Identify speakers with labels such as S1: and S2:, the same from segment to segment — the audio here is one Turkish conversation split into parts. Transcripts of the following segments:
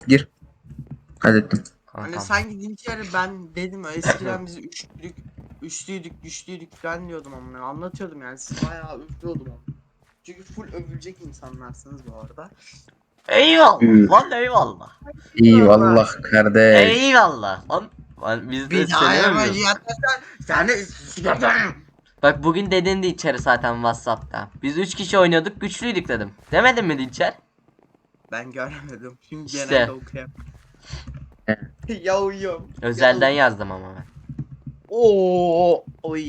S1: Gir. Hallettim.
S2: Hani
S3: Kankam.
S2: sanki Dinçer'i ben dedim eskiden biz güçlüydük falan diyordum ama anlatıyordum yani siz bayağı övüyordum ama. Çünkü full övülecek insanlarsınız bu arada.
S3: Eyvallah lan eyvallah.
S1: İyi vallah kardeş.
S3: Eyvallah lan. Lan biz de
S2: Bir daha
S3: seni övüyoruz.
S2: yapacaksan seni s**eceğim.
S3: Bak bugün dedin Dinçer'i zaten Whatsapp'ta. Biz 3 kişi oynuyorduk güçlüydük dedim. Demedin mi Dinçer?
S2: Ben göremedim. Şimdi
S3: İşte.
S2: genelde okuyayım. Yo.
S3: Özelden yazdım ama ben.
S2: Oo, oy.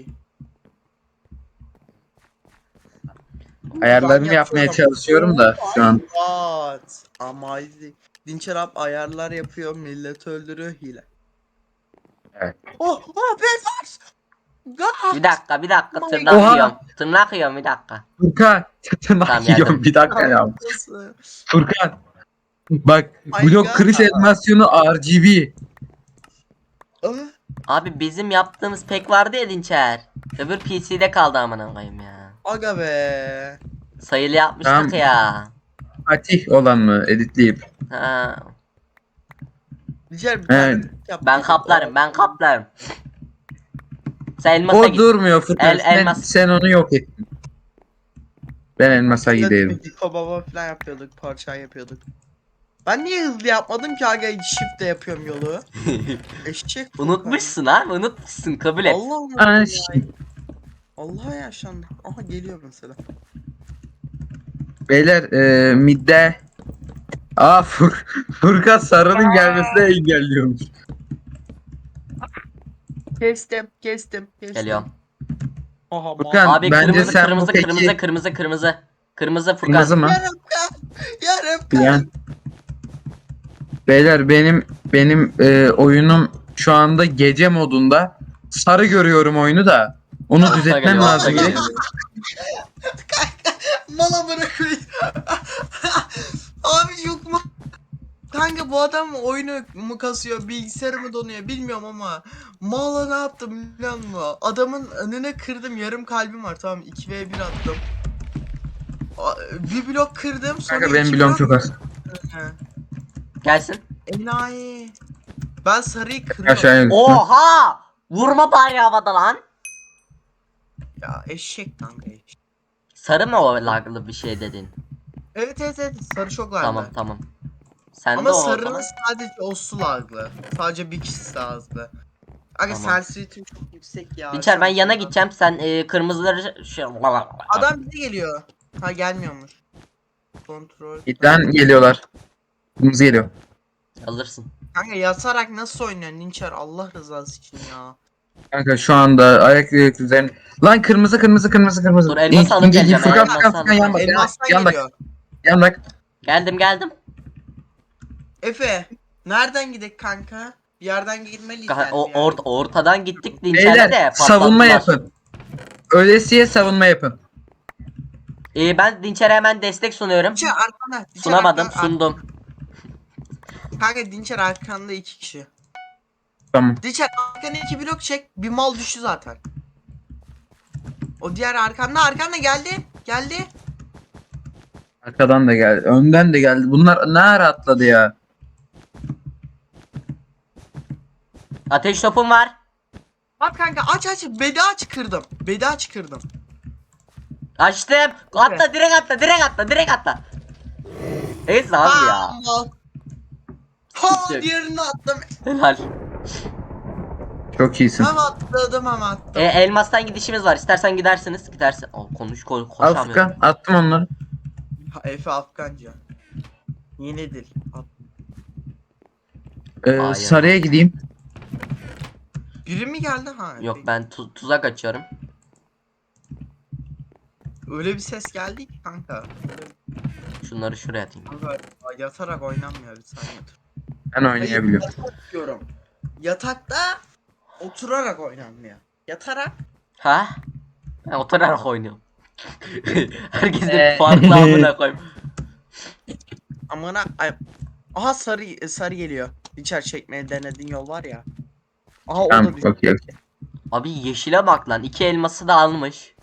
S1: Ayarlarımı
S2: Ben
S1: yapmaya
S2: yapıyorum.
S1: çalışıyorum da şu an.
S2: What? Amazing. Dinçer abi ayarlar yapıyor, millet öldürüyor hile.
S1: Evet.
S2: Oh, Belfast! God!
S3: Bir dakika
S2: Oh my
S3: tırnak
S1: Oha!
S3: yiyorum. Tırnak yiyorum bir dakika.
S1: Furkan.
S3: Tamam,
S1: Tırnak
S3: geldim.
S1: yiyorum bir dakika ya.
S2: Nasıl?
S1: Furkan. Bak
S2: My
S1: blok
S2: God.
S1: kırış animasyonu RGB.
S2: Ah,
S3: Abi bizim yaptığımız pek vardı ya Dinçer. Öbür PC'de kaldı amına koyayım ya.
S2: Aga be.
S3: Sayılı yapmıştık
S1: Tamam.
S3: ya.
S1: Fatih olan mı editleyip?
S3: Ha.
S2: Dinçer bir
S1: Evet.
S2: tane yap.
S3: Ben kaplarım ben kaplarım. Sen elmasa
S1: O
S3: git.
S1: durmuyor Furkan.
S3: Elmas.
S1: Sen onu yok ettin. Ben elmasa giderim.
S2: Hiko baba falan yapıyorduk, parça yapıyorduk. Ben niye hızlı yapmadım ki aga shift de yapıyorum yolu. Eşek Furkan.
S3: Unutmuşsun abi unutmuşsun kabul et.
S2: Allah unuttum
S1: Aa,
S2: ya.
S1: şey.
S2: Allah yaşandı. Aha geliyor mesela.
S1: Beyler midde. Furkan sarının gelmesine engelliyormuş.
S2: Kestim.
S3: Geliyorum.
S2: Aha
S1: Furkan
S3: Abi
S1: bence
S3: kırmızı
S1: sen
S3: kırmızı
S1: bu peki
S3: kırmızı. Kırmızı Furkan.
S1: kırmızı mı?
S2: Yarım
S1: Yani beyler benim oyunum şu anda gece modunda. Sarı görüyorum oyunu da. Onu
S3: Altta
S1: düzeltmem
S3: geliyor, altta
S1: lazım.
S3: geliyor.
S2: Mala bırakıyor. Abi yok mu? Kanka bu adam oyunu mu kasıyor, bilgisayarı mı donuyor bilmiyorum ama Mala ne yaptım biliyor musun? Adamın önüne kırdım, yarım kalbim var, tamam 2v1 attım. Bir blok kırdım, sonra
S1: Kanka benim
S2: iki
S1: bloğum
S2: blok
S1: çok az.
S3: Gelsin.
S2: enayi. Ben sarıyı kırıyorum.
S1: Aşağıya düştüm.
S3: Oha! Vurma bari havada lan.
S2: Ya eşek kanka eşek.
S3: Sarı mı o laglı bir şey dedin?
S2: Evet sarı çok vardı.
S3: Tamam. Sen de
S2: Ama
S3: o
S2: sarının
S3: zaman.
S2: sadece o su laglı. Sadece bir kişisi azlı. Aga
S3: Tamam.
S2: sensitivity çok yüksek ya.
S3: Dinçer ben
S2: Şu an
S3: yana
S2: şuradan-
S3: gideceğim sen kırmızıları şey...
S2: Adam bize geliyor. Ha gelmiyormuş. Kontrol.
S1: İden geliyorlar. Kırmızı geliyor.
S3: Alırsın.
S2: Kanka yatarak nasıl oynuyor Ninçer, Allah rızası için ya.
S1: Kanka şu anda ayak üzerine. Lan kırmızı.
S3: Dur, elması alıp geleceğim,
S1: Furkan
S3: elması alıp
S1: yan bak.
S2: Elmastan
S1: Yan bak.
S2: geliyor.
S1: Yan bak.
S3: Geldim.
S2: Efe nereden gidek kanka? Bir yerden girmeliyiz yani.
S3: Ortadan gittik Dinçer'le de
S1: Beyler savunma
S3: patlattılar.
S1: yapın. Öylesiye savunma yapın.
S3: Ben Dinçer'e hemen destek sunuyorum.
S2: Dinçer arkanda.
S3: Sunamadım sundum.
S2: Kanka Dinçer arkanda 2 kişi.
S1: Tamam.
S2: Dinçer arkana 2 blok çek. Bir mal düştü zaten. O diğer arkanda geldi.
S1: Arkadan da geldi. Önden de geldi. Bunlar ne ara atladı ya?
S3: Ateş topum var.
S2: Bak kanka aç kırdım. Bedi kırdım.
S3: Açtım. Atla direkt atla. Neyse abi ya.
S2: Mal. Ha
S3: Yok.
S2: diğerini attım.
S3: Helal.
S1: Çok iyisin.
S2: Hem atladım hem attım.
S3: Elmastan gidişimiz var. İstersen gidersiniz. Gidersin.
S1: Al
S3: Koşamıyorum.
S1: Furkan. Attım onları.
S2: Efe Afganca. Yeni dil.
S3: Hayır.
S1: Sarıya gideyim.
S2: Biri mi geldi ha?
S3: Yok ben tuzak açıyorum.
S2: Öyle bir ses geldi ki kanka.
S3: Şunları şuraya atayım.
S2: Kanka yatarak oynanmıyor, bir saniye dur.
S1: Ben oynayabiliyorum.
S2: Yatak diyorum. Yatakta oturarak oynanmıyor. Yatarak.
S3: Ha? Ben oturarak oynuyorum. Herkesin farklı amına koyayım.
S2: Amına aha sarı geliyor. İçer çekmeye denediğin yol var ya. Aha o da
S1: Tamam
S2: düştü.
S1: okey.
S3: Abi yeşile bak lan. 2 elması da almış.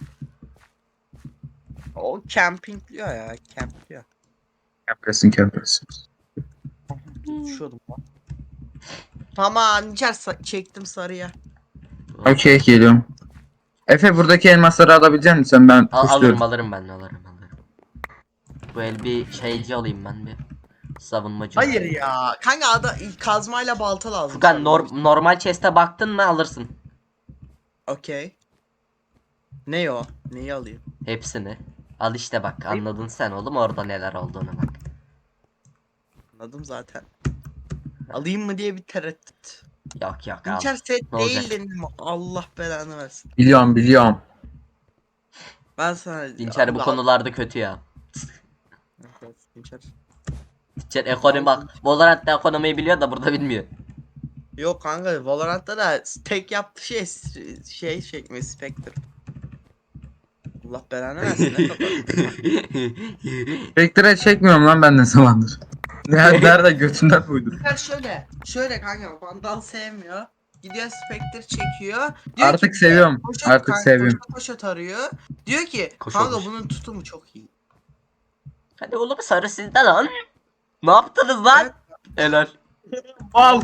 S2: O campingliyor ya, campliyor.
S1: Kempresin.
S2: Düşüyordum lan. Tamam çektim sarıya.
S1: Okey geliyorum. Efe buradaki elmasları alabilecek misin? Ben
S3: Alırım
S1: kuşluyorum.
S3: alırım ben alırım. Bu el bir şeyci alayım ben bir. Savunmacı.
S2: Hayır ya. Kanka kazmayla balta lazım.
S3: Furkan
S2: sadece.
S3: normal chest'e baktın mı alırsın.
S2: Okey. Ne o? Neyi alayım?
S3: Hepsini. Al işte bak anladın sen oğlum orada neler olduğunu bak.
S2: Anladım zaten. Alayım mı diye bir tereddüt.
S3: Yok yok al.
S2: Dinçer set
S3: Ne olacak?
S2: değil dedim. Allah belanı versin.
S1: Biliyorum.
S2: Ben sana...
S3: Dinçer bu
S2: Allah-
S3: konularda kötü ya.
S2: Evet, Dinçer.
S3: Dinçer ekonomi bak. Valorant'ta ekonomiyi biliyor da burada bilmiyor.
S2: Yok kanka Valorant'ta da tek yaptığı şey çekme Spectre. Allah belanı versin ne kadar.
S1: Spectre çekmiyorum lan ben ne zamandır. Nerede götünden uydum.
S2: Dinçer şöyle kanka Vandal sevmiyor. Gidiyor Spectre çekiyor. Diyor
S1: Artık
S2: ki,
S1: seviyorum.
S2: Koşa,
S1: Artık
S2: kanka,
S1: seviyorum.
S2: Koşa tarıyor. Diyor ki
S3: Koşa
S2: kanka
S3: koş.
S2: bunun tutumu çok iyi.
S3: Hadi oğlum sarı sizde lan. Ne yaptınız lan?
S2: Evet.
S3: Helal.
S1: Mal!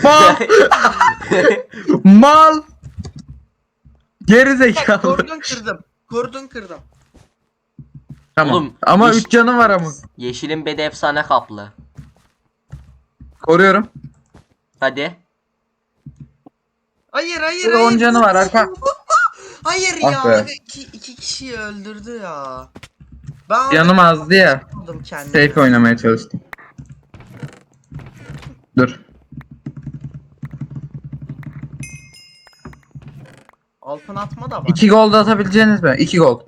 S1: Mal! Geri zekalı.
S2: Kordon kırdım.
S1: Tamam.
S3: Oğlum,
S1: Ama
S3: iş-
S1: 3 canım var ama.
S3: Yeşilin bedi efsane kaplı.
S1: Koruyorum.
S3: Hadi.
S2: Hayır
S1: Bir de 10 canı var arka.
S2: Hayır
S1: Ah
S2: ya.
S1: be.
S2: Aga iki kişiyi öldürdü ya. Ben orada
S1: Yanım azdı ya.
S2: aldım kendimi.
S1: Safe oynamaya çalıştım. Dur.
S2: Altın atma da var.
S1: 2 gol da atabileceğiniz mi? 2 gol.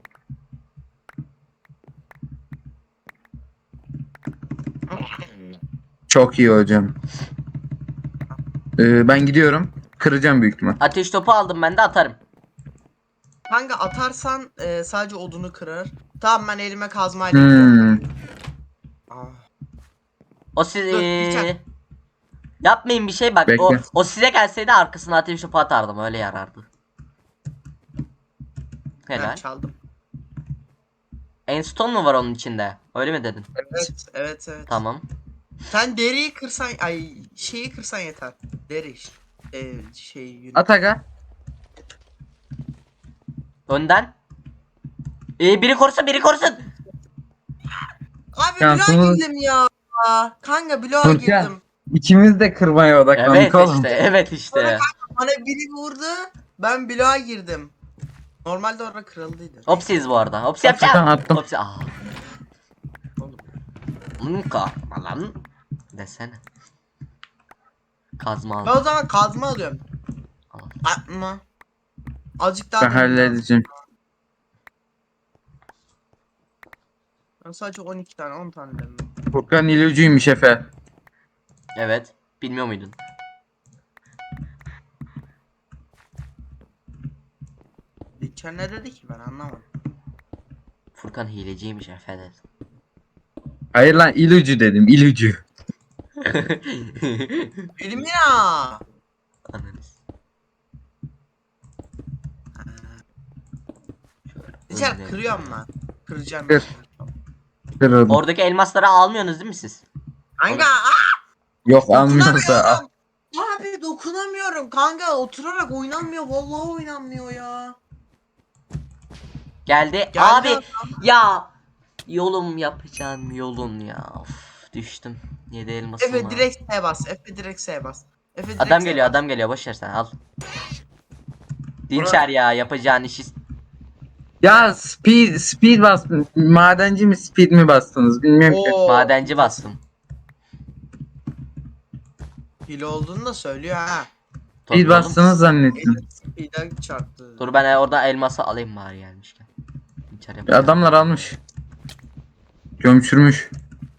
S1: Çok iyi hocam. Ben gidiyorum. Kıracağım büyük ihtimal.
S3: Ateş topu aldım ben de atarım.
S2: Kanka atarsan sadece odunu kırar. Tamam ben elime kazmayla gidiyorum. Ah.
S3: O siz
S2: Dur, bir tane.
S3: yapmayın bir şey bak.
S1: Bekle.
S3: O size gelseydi arkasına ateş topu atardım öyle yarardı.
S2: Ben
S3: Helal.
S2: çaldım.
S3: Enstone mu var onun içinde? Öyle mi dedin?
S2: Evet.
S3: Tamam.
S2: Sen deriyi kırsan şeyi kırsan yeter. Deri yünü.
S1: At aga.
S3: Önden. Biri korusun biri korusun.
S2: Abi
S1: Şansımız-
S2: bloğa girdim ya. Kanka bloğa
S1: Furkan.
S2: girdim.
S1: İkimiz de kırmaya odaklandık
S3: Evet
S1: oğlum.
S3: işte evet işte.
S2: Bana biri vurdu. Ben bloğa girdim. Normalde orada kırıldıydı.
S3: Hopsiz bu arada. Hops
S1: Furkan
S3: yapacağım.
S1: attım.
S3: Hopsi. Ah.
S2: Oğlum.
S3: Korkma lan. Desene. Kazma
S2: Ben
S3: al.
S2: o zaman kazma alıyorum.
S3: Al.
S2: Atma. Azıcık daha
S1: Ben
S2: demir lazım.
S1: halledeceğim.
S2: Ben sadece 12 tane 10 tane demir.
S1: Furkan ilücüymüş Efe.
S3: Evet. Bilmiyor muydun?
S2: Geçen ne dedi ki ben anlamadım.
S3: Furkan hileciymiş efendim.
S1: Hayır lan ilücü dedim ilücü.
S2: Elimina.
S3: Ananız.
S2: Geçer
S3: Öyle.
S2: kırıyorum lan. Kıracağım.
S1: Kır. Kırıldım.
S3: Oradaki elmasları almıyorsunuz değil mi siz?
S2: Kanka
S1: Yok almıyorsa al.
S2: dokunamıyorum. Abi dokunamıyorum kanka oturarak oynanmıyor vallahi oynanmıyor ya.
S3: Geldi.
S2: Geldi
S3: Abi
S2: adam.
S3: ya yolum yapacağım yolun ya. Of, düştüm. 7 elmasım
S2: Efe
S3: var.
S2: direkt S bas. Efe direkt S bas. Efe direkt
S3: Adam
S2: S
S3: geliyor
S2: bas.
S3: adam geliyor boş ver sen al. Dinçer ya yapacağın işi.
S1: Ya speed bastın. Madenci mi speed mi bastınız bilmiyorum ki.
S2: Oo,
S3: Madenci bastım.
S2: hile olduğunu da söylüyor ha.
S3: Tabii
S1: Speed
S3: oğlum.
S1: bastınız zannettim.
S2: Speed'e çarptı.
S3: Dur ben orada elması alayım bari gelmişken. Dinçer yapacağım.
S1: Adamlar almış. Gömçürmüş.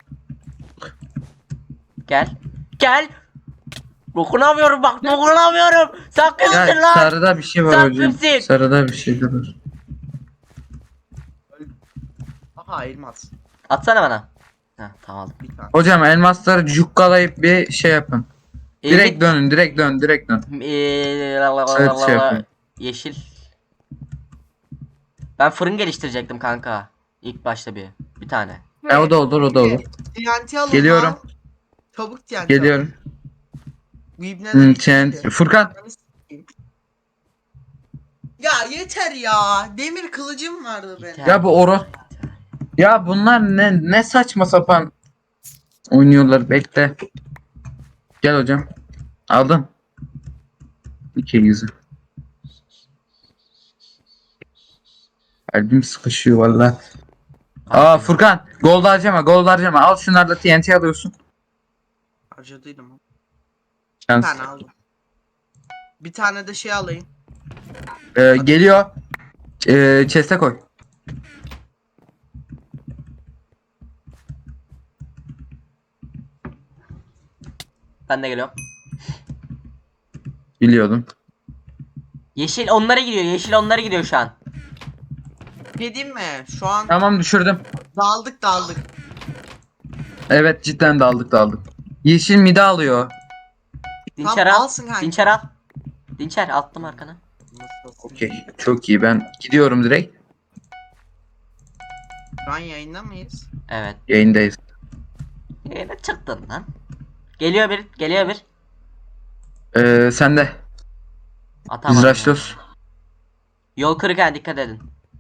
S3: Gel. Gel. Dokunamıyorum bak dokunamıyorum. Sen kimsin
S1: Ya
S3: lan?
S1: sarıda bir şey var
S3: Sen
S1: hocam.
S3: kimsin?
S1: Sarıda bir şey de var.
S2: Aha elmas.
S3: Atsana bana. Heh tamam aldım.
S2: Bir tane.
S1: Hocam elmasları cukkalayıp bir şey yapın. Direkt
S3: Evlilik-
S1: dönün direkt dön direkt dön. Evet, şey yapayım.
S3: Yeşil. Ben fırın geliştirecektim kanka. İlk başta bir tane.
S1: O da olur o da olur.
S2: TNT alın
S1: Geliyorum.
S2: lan. Çabuk TNT.
S1: Geliyorum.
S2: Bu ibneler
S1: TNT. Furkan.
S2: Ya yeter ya. Demir kılıcım vardı benim.
S3: Yeter.
S1: Ya bu Oro. Ya bunlar ne saçma sapan oynuyorlar. Bekle. Gel hocam. Aldın. İki yüzü. Kalbim sıkışıyor valla. Aa Furkan. Gold harcama. Gold harcama. Al şunlarla TNT alıyorsun.
S2: Harcadıydım. Bir
S1: Şans.
S2: tane aldım. Bir tane de şey alayım.
S1: Geliyor. Chest'e koy.
S3: Ben de geliyorum.
S1: Biliyordum.
S3: Yeşil onlara gidiyor. Yeşil onlara gidiyor şu an.
S2: Ne diyeyim mi? Şu an
S1: Tamam düşürdüm.
S2: daldık.
S1: Evet cidden daldık. Yeşil mide alıyor.
S3: Dinçer
S2: Tamam,
S3: al.
S2: alsın kanka.
S3: Dinçer al. Dinçer attım arkana.
S1: Okey. Çok iyi. Ben gidiyorum direkt.
S2: Şu an yayında mıyız?
S3: Evet.
S1: Yayındayız.
S3: Yine çıktın lan. Geliyor bir. Geliyor bir.
S1: Sen de.
S3: Atamadım.
S1: Biz
S3: ya.
S1: rushlıyoruz.
S3: Yol kırık ha, dikkat edin.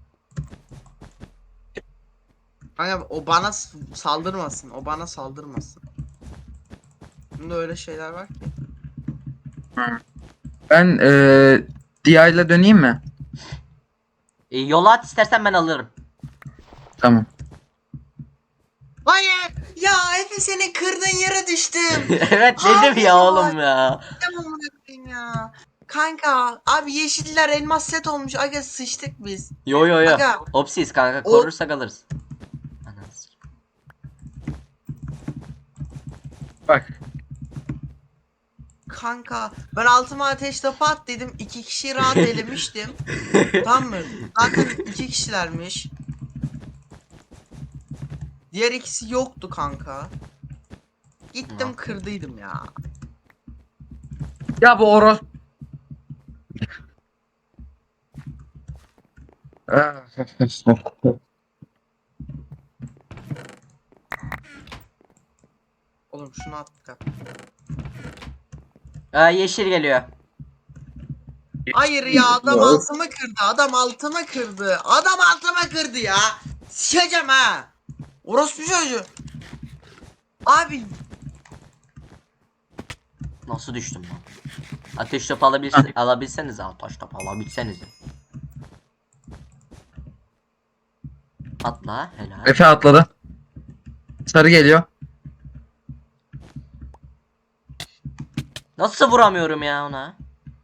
S2: Kanka o bana saldırmasın. O bana saldırmasın. Bunda öyle şeyler var ki.
S1: Ben DI ile döneyim mi?
S3: Yola at istersen ben alırım.
S1: Tamam.
S2: Hayır! Ya Efe seni kırdın yere düştüm.
S3: Evet dedim
S2: Abi
S3: ya
S2: ya.
S3: oğlum ya.
S2: Tamam bırakayım ya. Kanka abi yeşiller elmas set olmuş. Aga sıçtık biz.
S3: Yo.
S2: Aga.
S3: Opsiz kanka,
S2: O-
S3: korursak alırız. Ananı s-
S1: Bak.
S2: Kanka ben altıma ateş topu at dedim. 2 kişiyi rahat elemiştim. Tamam mı? Zaten 2 kişilermiş. Diğer ikisi yoktu kanka. Gittim
S3: Ne
S2: kırdıydım ya.
S1: Ya bu Oro.
S2: Oğlum şunu at.
S3: Yeşil geliyor.
S2: Hayır ya adam altımı kırdı. Adam altımı kırdı. Adam altımı kırdı ya. Sikeceğim ha. Orospu çocuğu. Abi
S3: Nasıl düştüm lan? Ateş topu alabilseniz, ateş topu alabilseniz. Atla helal.
S1: Efe atladı. Sarı geliyor.
S3: Nasıl vuramıyorum ya ona?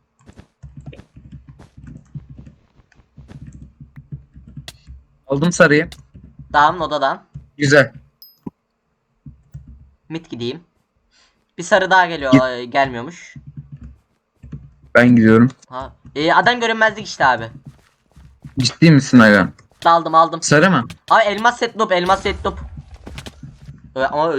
S1: Aldım sarıyı.
S3: Tamam, odadan.
S1: Güzel.
S3: Mid gideyim. Bir sarı daha geliyor. Gelmiyormuş.
S1: Ben gidiyorum.
S3: Ha. Adam görünmezlik işte abi.
S1: Ciddi misin aga?
S3: Aldım.
S1: Sarı mı?
S3: Abi elmas set noob. Ama